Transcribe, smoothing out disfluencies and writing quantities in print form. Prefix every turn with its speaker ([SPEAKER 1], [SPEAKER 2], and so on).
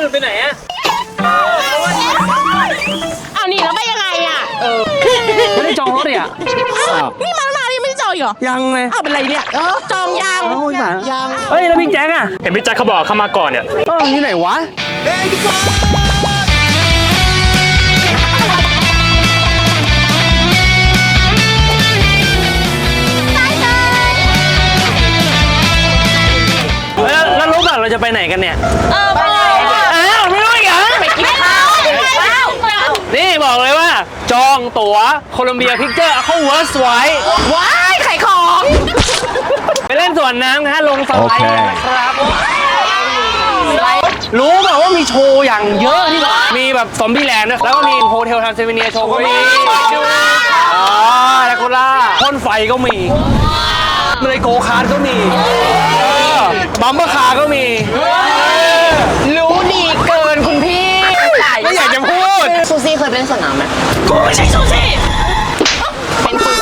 [SPEAKER 1] อื่นไปไหนอะ
[SPEAKER 2] เอานี่แล้วไปยังไงอ่ะ
[SPEAKER 1] ไม่ได้จองรถเลยอ่ะ
[SPEAKER 2] นี่มาแล้วยังไม่ได้จองอีกเหรอ
[SPEAKER 1] ยังเลย
[SPEAKER 2] เอาเป็นไรเนี่ยจองยัง
[SPEAKER 1] เฮ้ยแล้วพี่แจ๊คอะ
[SPEAKER 3] เห็นพี่แจ็คเขาบอกเข้ามาก่อนเนี่ย
[SPEAKER 1] ที่ไหนวะแล้วรู้ป่ะเราจะไปไหนกันเนี่ย
[SPEAKER 2] ไป
[SPEAKER 1] อ้าวไม่รู้อีกเหรอ
[SPEAKER 2] ไปกินข้าว
[SPEAKER 1] นี่บอกเลยว่า จองตั๋วโคลัมเบียพิกเจอร์เข้าเวิร์สไว้
[SPEAKER 2] ว้ายไข่ของ
[SPEAKER 1] ไปเล่นสวนน้ำนะฮะลงสไลด์กันนะครับรู้ป่ะว่ามีโชว์อย่างเยอะที่มีแบบซอมบี้แลนด์ด้วยแล้วก็มีโฮเทลทรานซิลเวเนียโชว์ก็มีอ๋อแดคูล่าพ่นไฟก็มีเลยโกคาร์ดก็มีบัมเบอร์คาร์ก็มี
[SPEAKER 2] รู้ดีเกินคุณพี่
[SPEAKER 1] ไม่อยากจะพูด
[SPEAKER 2] ซูซี่เคยเป็นสนามไหมกูไม่ใช่ซูซี่เป็นปืน